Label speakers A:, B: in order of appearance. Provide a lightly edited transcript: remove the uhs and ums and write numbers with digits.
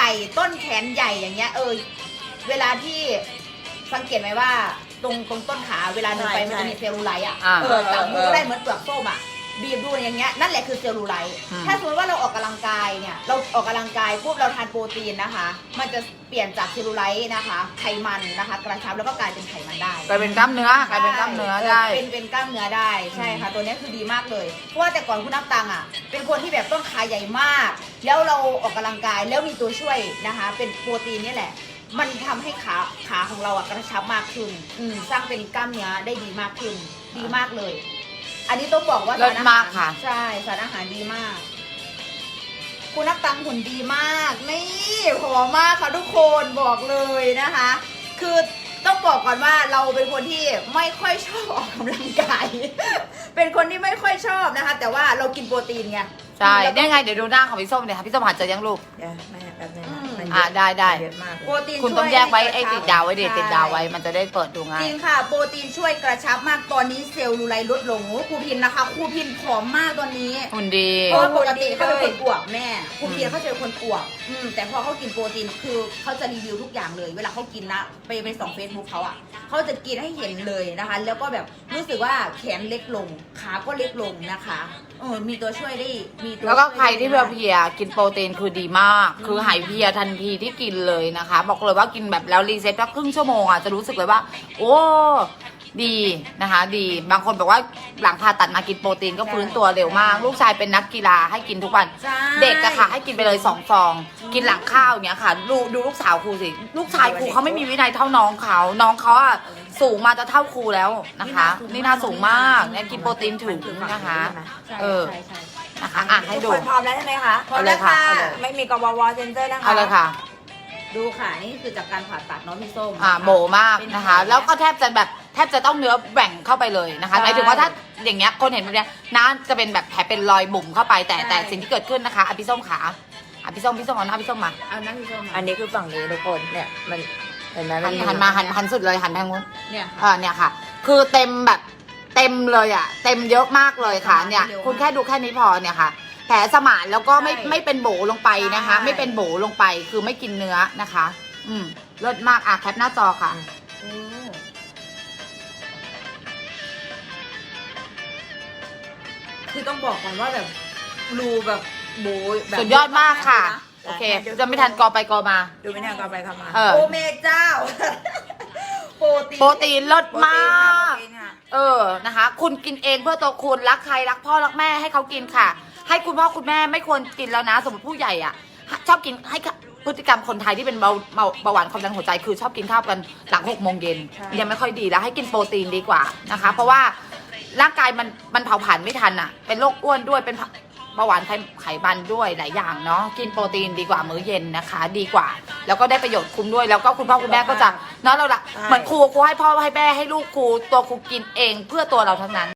A: ญ่ต้นแขนใหญ่อย่างเงี้ยเวลาที่สังเกตไหมว่าตรงต้นขาเวลาเดินไปมันจะมีเซลลูไลท์อ่ะจับมือก็ได้เหมือนเปลือกส้มอ่ะบีบดูอย่างเงี้ยนั่นแหละคือเซลลูไลท์ถ้าสมมติว่าเราออกกำลังกายเนี่ยเราออกกำลังกายปุ๊บเราทานโปรตีนนะคะมันจะเปลี่ยนจากเซลลูไลท์นะคะไขมันนะคะกระชับแล้วก็กลายเป็นไขมันได้
B: กลายเป็นกล้ามเนื้อกลายเป็นกล้ามเนื้อได้
A: เป็นกล้ามเนื้อได้ใช่ค่ะตัวนี้คือดีมากเลยเพราะว่าแต่ก่อนคุณน้ำตังอ่ะเป็นคนที่แบบต้นขาใหญ่มากแล้วเราออกกำลังกายแล้วมีตัวช่วยนะคะเป็นโปรตีนนี่แหละมันทำให้ขาของเราอะกระชับมากขึ้นสร้างเป็นกล้ามเนื้อได้ดีมากขึ้นดีมากเลยอันนี้ต้องบอกว่า
B: สารอาหารค่ะ
A: ใช่สารอาหารดีมากคุณนักตังหุ่นดีมากนี่ผอมมากค่ะทุกคนบอกเลยนะคะคือต้องบอกก่อนว่าเราเป็นคนที่ไม่ค่อยชอบออกกำลังกาย เป็นคนที่ไม่ค่อยชอบนะคะแต่ว่าเรากินโปรตีนไง
B: ใช่ได้ไงเดี๋ยวดูหน้าของพี่ส้มเนี่ยค่ะพี่ส้มหาเจอยังลูก
C: แม่แป๊บนึง
B: ได้
C: เยอะมาก
A: โปรตีน
B: คุณต้องแยกไว้ไอ้ติดดาวไว้เด็ดติดดาวไว้มันจะได้เปิดดูง่าย
A: จริงค่ะโปรตีนช่วยกระชับมากตอนนี้เซลล์ลูไลท์ลดลงครูพินนะคะครูพินผอมมากตอนนี้
B: หุ่นดี
A: เพราะปกติเขาเป็นคนอวบแม่ครูพินเขาเป็นคนอวบแต่พอเขากินโปรตีนคือเขาจะรีวิวทุกอย่างเลยเวลาเขากินนะไปส่องเฟซบุ๊กเขาอ่ะเขาจะกินให้เห็นเลยนะคะแล้วก็แบบรู้สึกว่าแขนเล็กลงขาก็เล็กลงนะคะมีตัวช่วยได้มีตัว
B: แล้วก็ใครที่เพลียกินโปรตีนคือดีมากคือหายเพลียทันทีที่กินเลยนะคะบอกเลยว่ากินแบบแล้วรีเซ็ตแค่ครึ่งชั่วโมงอ่ะจะรู้สึกเลยว่าโอ้ดีนะคะดีบางคนบอกว่าหลังผ่าตัดมากินโปรตีนก็ฟื้นตัวเร็วมากลูกชายเป็นนักกีฬาให้กินทุกวันเด็กอะค่ะให้กินไปเลย2 ฟองกินหลังข้าวอย่างเงี้ยค่ะดูลูกสาวครูสิลูกชายครูเขาไม่มีวินัยเท่าน้องเขาอะสูงมาจะเท่าครูแล้วนะคะนี่น่าสูงมากเนี่ยกินโปรตีนถึงนะคะนะคะให้ดู
C: พร้อมแล้วใช่ไหมคะ
A: พร้อมแล้วค่ะ
C: ไม่มีกววเซนเซอร์นะคะ
B: เอาเลยค่ะ
A: ดูค่ะนี่คือจากการผ่าตัดเนาะพี่ส้ม
B: โบมากนะคะแล้วก็แทบจะต้องเนื้อแบ่งเข้าไปเลยนะคะหมายถึงว่าถ้าอย่างเงี้ยคนเห็นแบบเนี้ยน่าจะเป็นแบบแผลเป็นรอยบุ๋มเข้าไปแต่สิ่งที่เกิดขึ้นนะคะพี่ส้มขาพี่ส้มเอาหน้าพี่ส้มมา
A: เอาหน้าพี่ส้ม
C: อันนี้คือฝั่งนี้ทุกคนเนี่ยมันเห็นไหม
B: หันสุดเลยหันทางนู้น
A: เนี่ย
B: เนี่ยค่ะคือเต็มแบบเต็มเลยอ่ะเต็มเยอะมากเลยค่ะเนี่ยคุณแค่ดูแค่นี้พอเนี่ยค่ะแผลสมานแล้วก็ไม่เป็นโบลงไปนะคะไม่เป็นโบลงไปคือไม่กินเนื้อนะคะเลิศมากแคปหน้าจอค่ะ
A: คือต้องบอกก่อนว่าแบบรูแบบโบแบบ
B: สุดยอดมากค่ะโอเคจะไม่ทันกอไปกอมา
C: ดูไม่ทันกอไปกอมา
A: โอเมเจ้าโปรตีน
B: เลิศมากนะคะคุณกินเองเพื่อตัวคุณรักใครรักพ่อรักแม่ให้เขากินค่ะให้คุณพ่อคุณแม่ไม่ควรกินแล้วนะสมมติผู้ใหญ่อ่ะชอบกินให้พฤติกรรมคนไทยที่เป็นเบาหวานความดันหัวใจคือชอบกินข้าวกันหลัง6 โมงเย็นยังไม่ค่อยดีแล้วให้กินโปรตีนดีกว่านะคะเพราะว่าร่างกายมันเผาผลาญไม่ทันอ่ะเป็นโรคอ้วนด้วยเป็นเบาหวานไขมันด้วยหลายอย่างเนาะกินโปรตีนดีกว่ามื้อเย็นนะคะดีกว่าแล้วก็ได้ประโยชน์คุ้มด้วยแล้วก็คุณพ่อคุณแม่ก็จะเนาะเราละเหมือนครูให้พ่อให้แม่ให้ลูกครูตัวครูกินเองเพื่อตัวเราทั้งนั้น